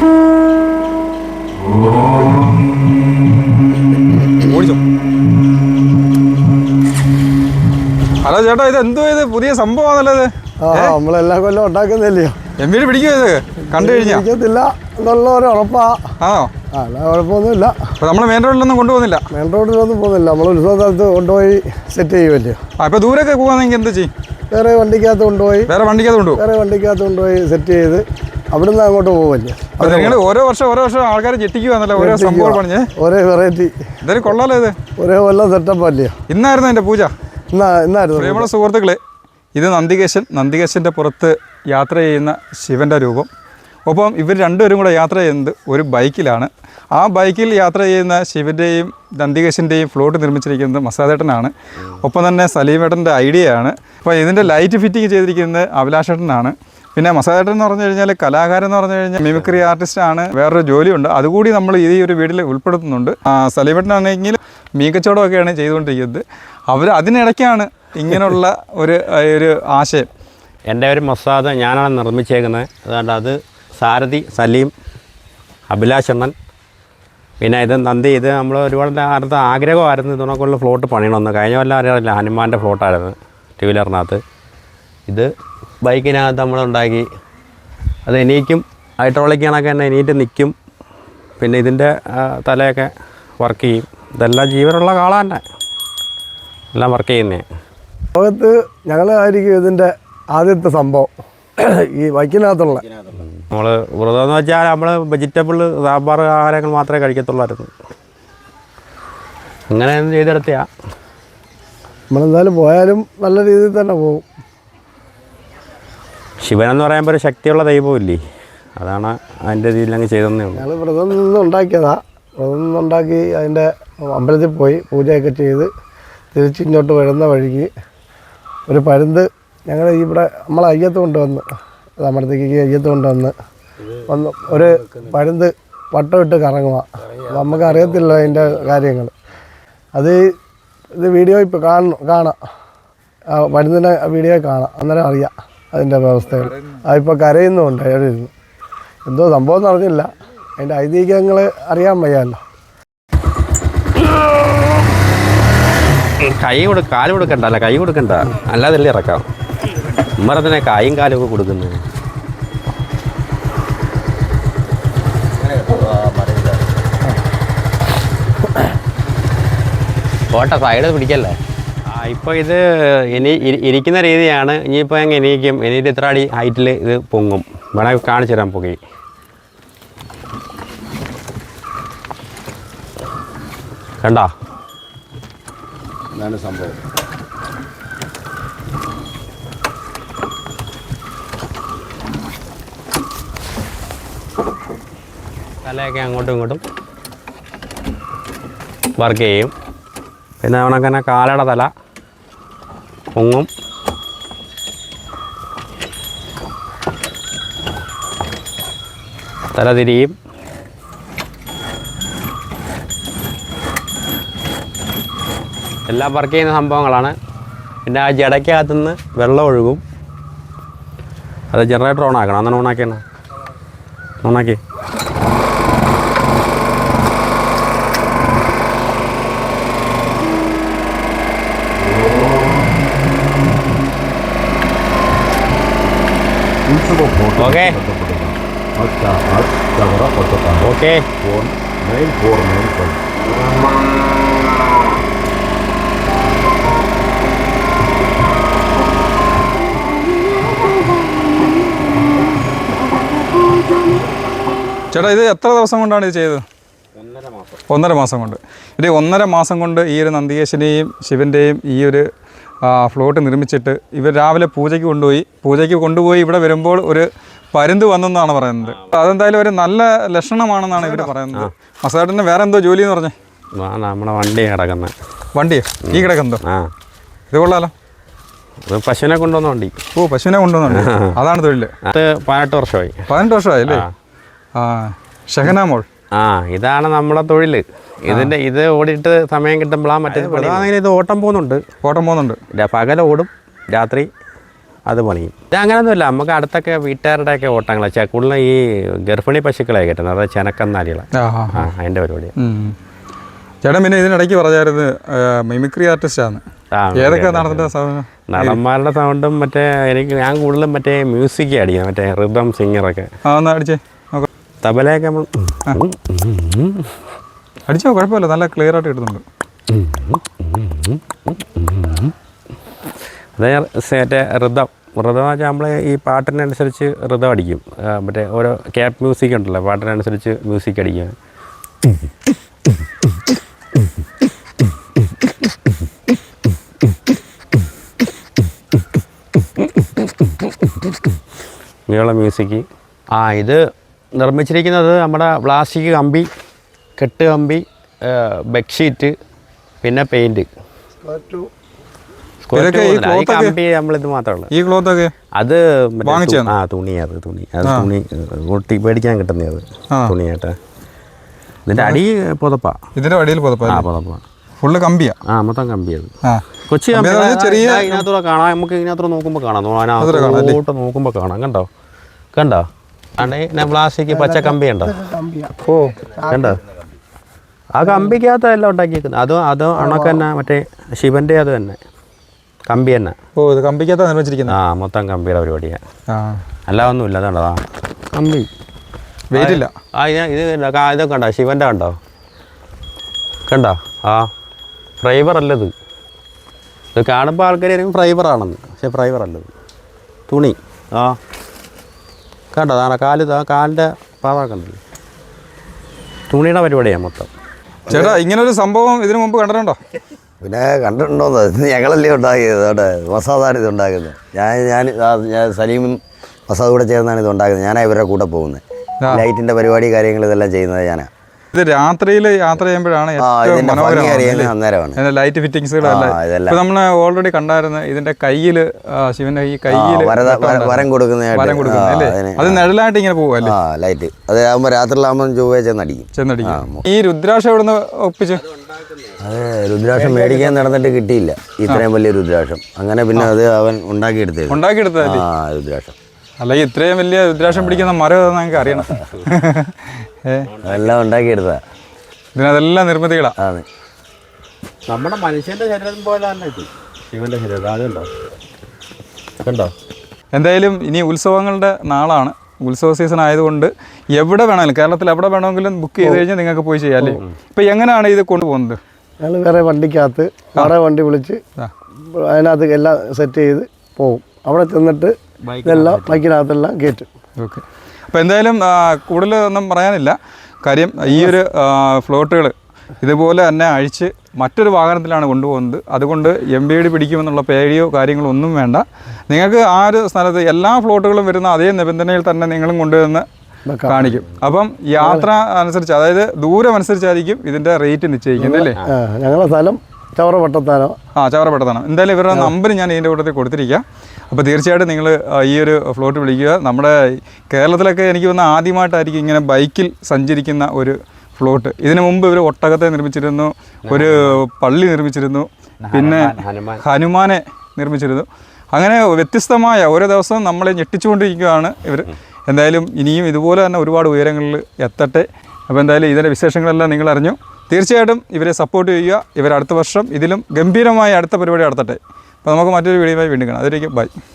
ഓടിച്ചോ. Hello ചേട്ടാ, ഇത് എന്തോ ഇത് പുതിയ സംഭവമാണല്ലോ ഇത്? നമ്മളെല്ലാ കൊല്ലം ഉണ്ടാക്കുന്നില്ലയോ? എമ്മീര് പിടിക്കുമോ ഇത് കണ്ടു കഴിഞ്ഞാൽ? പിടിക്കത്തില്ല എന്നുള്ള ഒരു ഉറപ്പാ. ആണോ? അല്ല, കുഴപ്പമൊന്നുമില്ല. അപ്പൊ നമ്മള് മെയിൻ റോഡിലൊന്നും കൊണ്ടുപോകുന്നില്ല? മെയിൻ റോഡിലൊന്നും പോകുന്നില്ല, നമ്മൾ ഉത്സവ സ്ഥലത്ത് കൊണ്ടുപോയി സെറ്റ് ചെയ്യുമല്ലോ. ഇപ്പൊ ദൂരൊക്കെ പോകാന്നെങ്കിൽ എന്ത് ചെയ്യും? വേറെ വണ്ടിക്കകത്ത് കൊണ്ടുപോയി സെറ്റ് ചെയ്ത് അവിടുന്ന് അങ്ങോട്ട് പോകുമല്ലോ. നിങ്ങൾ ഓരോ വർഷം ആൾക്കാരെ ചെട്ടിക്കുവാന്നല്ലോ ഓരോ സംഭവം പറഞ്ഞ്, ഒരേ വെറൈറ്റി. ഇതൊരു കൊള്ളാലോ ഇത്. ഒരേ കൊല്ലം സെറ്റപ്പ് അല്ലയോ? ഇന്നായിരുന്നു എൻ്റെ പൂജ. ഇന്നായിരുന്നു. പ്രിയമുള്ള സുഹൃത്തുക്കളെ, ഇത് നന്ദികേശൻ്റെ പുറത്ത് യാത്ര ചെയ്യുന്ന ശിവൻ്റെ രൂപം. ഒപ്പം ഇവർ രണ്ടുപേരും കൂടെ യാത്ര ചെയ്യുന്നത് ഒരു ബൈക്കിലാണ്. ആ ബൈക്കിൽ യാത്ര ചെയ്യുന്ന ശിവൻ്റെയും നന്ദികേശൻ്റെയും ഫ്ലോട്ട് നിർമ്മിച്ചിരിക്കുന്നത് മസാദേട്ടനാണ്. ഒപ്പം തന്നെ സലീമേട്ടൻ്റെ ഐഡിയയാണ്. അപ്പോൾ ഇതിൻ്റെ ലൈറ്റ് ഫിറ്റിംഗ് ചെയ്തിരിക്കുന്നത് അഭിലാഷേട്ടനാണ്. പിന്നെ മസാദേട്ടൻ എന്ന് പറഞ്ഞു കഴിഞ്ഞാൽ കലാകാരൻ എന്ന് പറഞ്ഞു കഴിഞ്ഞാൽ മിമിക്രി ആർട്ടിസ്റ്റാണ്. വേറൊരു ജോലിയുണ്ട്, അതുകൂടി നമ്മൾ ഈ ഒരു വീഡിയോയിൽ ഉൾപ്പെടുത്തുന്നുണ്ട്. സലീമേട്ടനാണെങ്കിൽ മീകച്ചവടമൊക്കെയാണ് ചെയ്തുകൊണ്ടിരിക്കുന്നത്. അതിനിടയ്ക്കാണ് ഇങ്ങനെയുള്ള ഒരു ആശയം. എൻ്റെ ഒരു മസാദ് ഞാനാണ് നിർമ്മിച്ചേക്കുന്നത്. അതുകൊണ്ട് അത് സാരഥി സലീം, അഭിലാഷണ്ണൻ, പിന്നെ ഇത് നന്ദി. ഇത് നമ്മൾ ഒരുപാട് അടുത്ത ആഗ്രഹമായിരുന്നു ഇതിനൊക്കെയുള്ള ഫ്ലോട്ട് പണിയണമെന്ന്. കഴിഞ്ഞ കൊല്ലം അറിയാറില്ല, ഹനുമാൻ്റെ ഫ്ലോട്ടായിരുന്നു ടു വീലറിനകത്ത്. ഇത് ബൈക്കിനകത്ത് നമ്മളുണ്ടാക്കി. അത് എണീക്കും, ഹൈഡ്രോളിക് കണക്ക് തന്നെ എണീറ്റ് നിൽക്കും. പിന്നെ ഇതിൻ്റെ തലയൊക്കെ വർക്ക് ചെയ്യും. ഇതെല്ലാം ജീവനുള്ള കാള തന്നെ, എല്ലാം വർക്ക് ചെയ്യുന്നേ. ലോകത്ത് ഞങ്ങളായിരിക്കും ഇതിൻ്റെ ആദ്യത്തെ സംഭവം ഈ ബൈക്കിനകത്തുള്ള. നമ്മൾ വ്രതമെന്ന് വെച്ചാൽ നമ്മൾ വെജിറ്റബിൾ സാമ്പാർ ആഹാരങ്ങൾ മാത്രമേ കഴിക്കത്തുള്ളായിരുന്നു. അങ്ങനെ ചെയ്തെടുത്തയാ. നമ്മളെന്തായാലും പോയാലും നല്ല രീതിയിൽ തന്നെ പോകും. ശിവനെന്ന് പറയുമ്പോൾ ഒരു ശക്തിയുള്ള ദൈവമില്ലേ, അതാണ് അതിൻ്റെ രീതിയിലങ്ങ് ചെയ്തതന്നേ ഉള്ളൂ. ഞങ്ങൾ വ്രതം നിന്നുണ്ടാക്കിയതാണ്. വ്രതം നിന്നുണ്ടാക്കി അതിൻ്റെ അമ്പലത്തിൽ പോയി പൂജയൊക്കെ ചെയ്ത് തിരിച്ചിങ്ങോട്ട് വരുന്ന വഴിക്ക് ഒരു പരുന്ത് ഞങ്ങൾ ഇവിടെ നമ്മളെ അയ്യത്ത് കൊണ്ടുവന്ന്, അമ്പലത്തേക്ക് അയ്യത്ത് കൊണ്ടുവന്ന് ഒരു പരുന്ത് വട്ടം ഇട്ട് കറങ്ങുക. നമുക്ക് അറിയത്തില്ല അതിൻ്റെ കാര്യങ്ങൾ. ഇത് വീഡിയോ ഇപ്പോൾ കാണാം, പരുന്തിൻ്റെ വീഡിയോ കാണാം, അന്നേരം അറിയാം അതിൻ്റെ വ്യവസ്ഥകൾ. അതിപ്പോൾ കരയുന്നുമുണ്ട്. അയാളിരുന്ന് എന്തോ സംഭവം എന്ന് അറിഞ്ഞില്ല, അതിൻ്റെ ഐതിഹ്യങ്ങൾ അറിയാൻ വയ്യാമല്ലോ. കാല് കൊടുക്കണ്ട, അല്ല കൈ കൊടുക്കണ്ട, അല്ലാതെ ഇറക്കാം. ഉമ്മറത്തിനെ കായും കാലും ഒക്കെ കൊടുക്കുന്നത്. കോട്ട സൈഡ് പിടിക്കല്ലേ. ഇപ്പോൾ ഇത് ഇരിക്കുന്ന രീതിയാണ്. ഇനിയിപ്പോൾ ഞങ്ങൾ എണീക്കും. എണീറ്റ് ഇത്ര അടി ഹൈറ്റിൽ ഇത് പൊങ്ങും. വേണമെങ്കിൽ കാണിച്ചു തരാൻ പൊങ്ങി. കണ്ടോ ഇതാണ് സംഭവം. തലയൊക്കെ അങ്ങോട്ടും ഇങ്ങോട്ടും വർക്ക് ചെയ്യും. പിന്നെ അവനങ്ങനെ കാലയുടെ തല പൊങ്ങും. തല തിരിയും. എല്ലാം വർക്ക് ചെയ്യുന്ന സംഭവങ്ങളാണ്. പിന്നെ ആ ജടയ്ക്കകത്തുനിന്ന് വെള്ളം ഒഴുകും. അത് ജനറേറ്റർ ഓണാക്കണം. അന്നാണ് ഓണാക്കിയാണ്. ഓണാക്കി ഓക്കെ ഓക്കെ. ചേട്ടാ, ഇത് എത്ര ദിവസം കൊണ്ടാണ് ഇത് ചെയ്തത്? 1.5 മാസം കൊണ്ട്. ഇത് 1.5 മാസം കൊണ്ട് ഈ ഒരു നന്ദികേശനെയും ശിവൻ്റെയും ഈ ഒരു ഫ്ലോട്ട് നിർമ്മിച്ചിട്ട് ഇവർ രാവിലെ പൂജയ്ക്ക് കൊണ്ടുപോയി ഇവിടെ വരുമ്പോൾ ഒരു പരുന്ത് വന്നെന്നാണ് പറയുന്നത്. അതെന്തായാലും ഒരു നല്ല ലക്ഷണമാണെന്നാണ് ഇവർ പറയുന്നത്. മസാദേട്ടന് വേറെ എന്തോ ജോലി എന്ന് പറഞ്ഞേ? നമ്മുടെ വണ്ടി കിടക്കുന്നത്. വണ്ടിയോ? ഈ കിടക്കുന്നതോ? ഇത് കൊള്ളാലോ. പശുവിനെ കൊണ്ടുവന്ന വണ്ടി. ഓ, പശുവിനെ കൊണ്ടുവന്നുണ്ട്. അതാണ് തൊഴിൽ. അത് 18 വർഷമായി. 18 വർഷമായി അല്ലേ? ഷഹനാമോൾ. ഇതാണ് നമ്മളെ തൊഴിൽ. ഇത് ഓടിയിട്ട് സമയം കിട്ടുമ്പോഴാണ് മറ്റേ. ഇത് ഓട്ടം പോകുന്നുണ്ട്. പകൽ ഓടും, രാത്രി അത് പണിയും. ഇത് അങ്ങനെയൊന്നുമില്ല, നമുക്ക് അടുത്തൊക്കെ വീട്ടുകാരുടെയൊക്കെ ഓട്ടങ്ങളാണ്. കൂടുതലും ഈ ഗർഭിണി പശുക്കളെ കിട്ടുന്നത്, അതായത് ചെനക്കന്നാലികളെ. അതിൻ്റെ പരിപാടിയാണ്. ചേട്ടൻ പിന്നെ ഇതിനിടയ്ക്ക് പറഞ്ഞായിരുന്നു മിമിക്രി ആർട്ടിസ്റ്റാണ്. ഏതൊക്കെ നടന്നിട്ട് സാധനം? നടന്മാരുടെ സൗണ്ടും മറ്റേ ഞാൻ കൂടുതലും മറ്റേ മ്യൂസിക് അടിക്കുന്നത്, മറ്റേ റിതം സിംഗറൊക്കെ. ഒന്ന് അടിച്ചേ നോക്കാം. തബലയൊക്കെ നമ്മൾ അടിച്ചോ, കുഴപ്പമില്ല, നല്ല ക്ലിയർ ആയിട്ട് കിട്ടുന്നുണ്ട്. അതേ മറ്റേ റിതം എന്ന് വെച്ചാൽ നമ്മൾ ഈ പാട്ടിനനുസരിച്ച് റിതം അടിക്കും. മറ്റേ ഓരോ ക്യാപ് മ്യൂസിക് ഉണ്ടല്ലോ, പാട്ടിനനുസരിച്ച് മ്യൂസിക് അടിക്കുക. ഇങ്ങനെയുള്ള മ്യൂസിക്. ഇത് നിർമ്മിച്ചിരിക്കുന്നത് നമ്മുടെ പ്ലാസ്റ്റിക് കമ്പി, കെട്ട് കമ്പി, ബെഡ്ഷീറ്റ്, പിന്നെ പെയിൻറ്റ്. കമ്പി നമ്മളിത് മാത്രമേ. ഈ ക്ലോത്ത് ഒക്കെ അത് തുണി ഒട്ടി മേടിക്കാൻ കിട്ടുന്നത് തുണിയായിട്ട്. ഇതിൻ്റെ അടി പുതപ്പാ. ഇതിൻ്റെ അടിയിൽ പുതപ്പാ ഫുള്ള് കമ്പിയാ. മൊത്തം കമ്പിയത്. കൊച്ചി ചെറിയ ഇതിനകത്തൂടെ കാണാം, നമുക്ക് ഇതിനകത്തൂടെ നോക്കുമ്പോൾ കാണാം, അതിനകത്തോട്ട് നോക്കുമ്പോൾ കാണാം. കണ്ടോ പ്ലാസ്റ്റിക് പച്ച കമ്പി ഉണ്ടോ? കണ്ടോ? ആ കമ്പിക്കകത്ത് എല്ലാം ഉണ്ടാക്കിയിരിക്കുന്നത്. അത് അണക്ക് തന്നെ, മറ്റേ ശിവൻ്റെ അത് തന്നെ കമ്പി തന്നെ. ഇത് കമ്പിക്കകത്ത് നിർമ്മിച്ചിരിക്കുന്നത്. മൊത്തം കമ്പിയുടെ പരിപാടിയാണ്, അല്ല ഒന്നുമില്ല. അതുണ്ടോ കമ്പി, വെയിറ്റ് ഇല്ല. ഇതൊക്കെ കണ്ടോ? ശിവൻ്റെ കണ്ടോ? ഫൈബർ അല്ലത്. ഇത് കാണുമ്പോൾ ആൾക്കാർ ആയിരിക്കും ഫൈബറാണെന്ന്, പക്ഷേ ഫൈബർ അല്ലത്, തുണി. കണ്ടോ? കാലിൻ്റെ പാതൊക്കെ ഉണ്ടല്ലോ, തുണിയുടെ പരിപാടിയാണ് മൊത്തം. ചേട്ടാ, ഇങ്ങനൊരു സംഭവം ഇതിനു മുമ്പ് കണ്ടിട്ടുണ്ടോ? പിന്നെ കണ്ടിട്ടുണ്ടോന്ന്, ഞങ്ങളല്ലേ ഉണ്ടാക്കിയത്. അവിടെ മസാദാണ് ഇത് ഉണ്ടാക്കുന്നത്. ഞാൻ സലീമും മസാദ് കൂടെ ചേർന്നാണ് ഇത് ഉണ്ടാക്കുന്നത്. ഞാനാണ് ഇവരുടെ കൂടെ പോകുന്നത്. ലൈറ്റിൻ്റെ പരിപാടി കാര്യങ്ങൾ ഇതെല്ലാം ചെയ്യുന്നത് ഞാനാണ്. ഇത് രാത്രിയിൽ യാത്ര ചെയ്യുമ്പോഴാണ് ലൈറ്റ് ഫിറ്റിങ്സുകളെല്ലാം നമ്മൾ ഓൾറെഡി കണ്ടായിരുന്നു. ഇതിന്റെ കയ്യിൽ, ശിവന്റെ ഈ കയ്യിൽ വരം കൊടുക്കുന്നതല്ലേ, അത് നിഴലായിട്ട് ഇങ്ങനെ പോകും ലൈറ്റ്. അത് ആകുമ്പോൾ രാത്രിയിലാകുമ്പോൾ ചൊവ്വ ചെന്നടിക്കും. ഈ രുദ്രാക്ഷം എവിടുന്ന് ഒപ്പിച്ച്? അത് രുദ്രാക്ഷം മേടിക്കാൻ നടന്നിട്ട് കിട്ടിയില്ല, ഇത്രയും വലിയ രുദ്രാക്ഷം. അങ്ങനെ പിന്നെ അത് അവൻ ഉണ്ടാക്കിയെടുത്തതല്ലേ രുദ്രാക്ഷം. അല്ലെങ്കിൽ ഇത്രയും വലിയ രുദ്രാക്ഷം പിടിക്കുന്ന മരം നമുക്ക് അറിയണം. അതെല്ലാം ഉണ്ടാക്കിയെടുത്താ. ഇതിനതെല്ലാം നിർമ്മിതികളാണ്. നമ്മുടെ മനുഷ്യന്റെ ശരീരം പോലെ തന്നെ ശിവന്റെ ശരീരം. അതുണ്ടോ? കണ്ടോ? എന്തായാലും ഇനി ഉത്സവങ്ങളുടെ നാളാണ്. ഉത്സവ സീസൺ ആയതുകൊണ്ട് എവിടെ വേണമെങ്കിലും, കേരളത്തിൽ എവിടെ വേണമെങ്കിലും ബുക്ക് ചെയ്ത് കഴിഞ്ഞാൽ നിങ്ങൾക്ക് പോയി ചെയ്യാം അല്ലേ? ഇപ്പം എങ്ങനെയാണ് ഇത് കൊണ്ടുപോകുന്നത്? ഞങ്ങൾ വേറെ വണ്ടിക്കകത്ത് വേറെ വണ്ടി വിളിച്ച് അതിനകത്ത് എല്ലാം സെറ്റ് ചെയ്ത് പോകും. അവിടെ ചെന്നിട്ട് ഇതെല്ലാം ബൈക്കിനകത്തെല്ലാം കയറ്റും. ഓക്കെ. അപ്പോൾ എന്തായാലും കൂടുതലൊന്നും പറയാനില്ല. കാര്യം ഈ ഒരു ഫ്ലോട്ടുകൾ ഇതുപോലെ തന്നെ അഴിച്ച് മറ്റൊരു വാഹനത്തിലാണ് കൊണ്ടുപോകുന്നത്. അതുകൊണ്ട് MVD പിടിക്കുമെന്നുള്ള പേടിയോ കാര്യങ്ങളോ ഒന്നും വേണ്ട. നിങ്ങൾക്ക് ആ ഒരു സ്ഥലത്ത് എല്ലാ ഫ്ലോട്ടുകളും വരുന്ന അതേ നിബന്ധനയിൽ തന്നെ നിങ്ങളും കൊണ്ടുവന്ന് കാണിക്കും. അപ്പം യാത്ര അനുസരിച്ച്, അതായത് ദൂരം അനുസരിച്ചായിരിക്കും ഇതിൻ്റെ റേറ്റ് നിശ്ചയിക്കുന്നത് അല്ലേ? ഞങ്ങളുടെ സ്ഥലം ചവറപട്ടത്താനോ. ചവറപട്ടത്താനോ. എന്തായാലും ഇവരുടെ നമ്പർ ഞാൻ ഇതിൻ്റെ കൂട്ടത്തിൽ കൊടുത്തിരിക്കുക. അപ്പോൾ തീർച്ചയായിട്ടും നിങ്ങൾ ഈ ഒരു ഫ്ലോട്ട് വിളിക്കുക. നമ്മുടെ കേരളത്തിലൊക്കെ എനിക്ക് തോന്നുന്ന ആദ്യമായിട്ടായിരിക്കും ഇങ്ങനെ ബൈക്കിൽ സഞ്ചരിക്കുന്ന ഒരു ഫ്ലോട്ട്. ഇതിനു മുമ്പ് ഇവർ ഒട്ടകത്തെ നിർമ്മിച്ചിരുന്നു, ഒരു പള്ളി നിർമ്മിച്ചിരുന്നു, പിന്നെ ഹനുമാനെ നിർമ്മിച്ചിരുന്നു. അങ്ങനെ വ്യത്യസ്തമായ ഓരോ ദിവസവും നമ്മളെ ഞെട്ടിച്ചുകൊണ്ടിരിക്കുകയാണ് ഇവർ. എന്തായാലും ഇനിയും ഇതുപോലെ തന്നെ ഒരുപാട് ഉയരങ്ങളിൽ എത്തട്ടെ. അപ്പോൾ എന്തായാലും ഇതിൻ്റെ വിശേഷങ്ങളെല്ലാം നിങ്ങൾ അറിഞ്ഞു. തീർച്ചയായിട്ടും ഇവരെ സപ്പോർട്ട് ചെയ്യുക. ഇവർ അടുത്ത വർഷം ഇതിലും ഗംഭീരമായ അടുത്ത പരിപാടി നടത്തട്ടെ. അപ്പോൾ നമുക്ക് മറ്റൊരു വീഡിയോയുമായി വീണ്ടും കാണാം. അതിലേക്ക് ബൈ.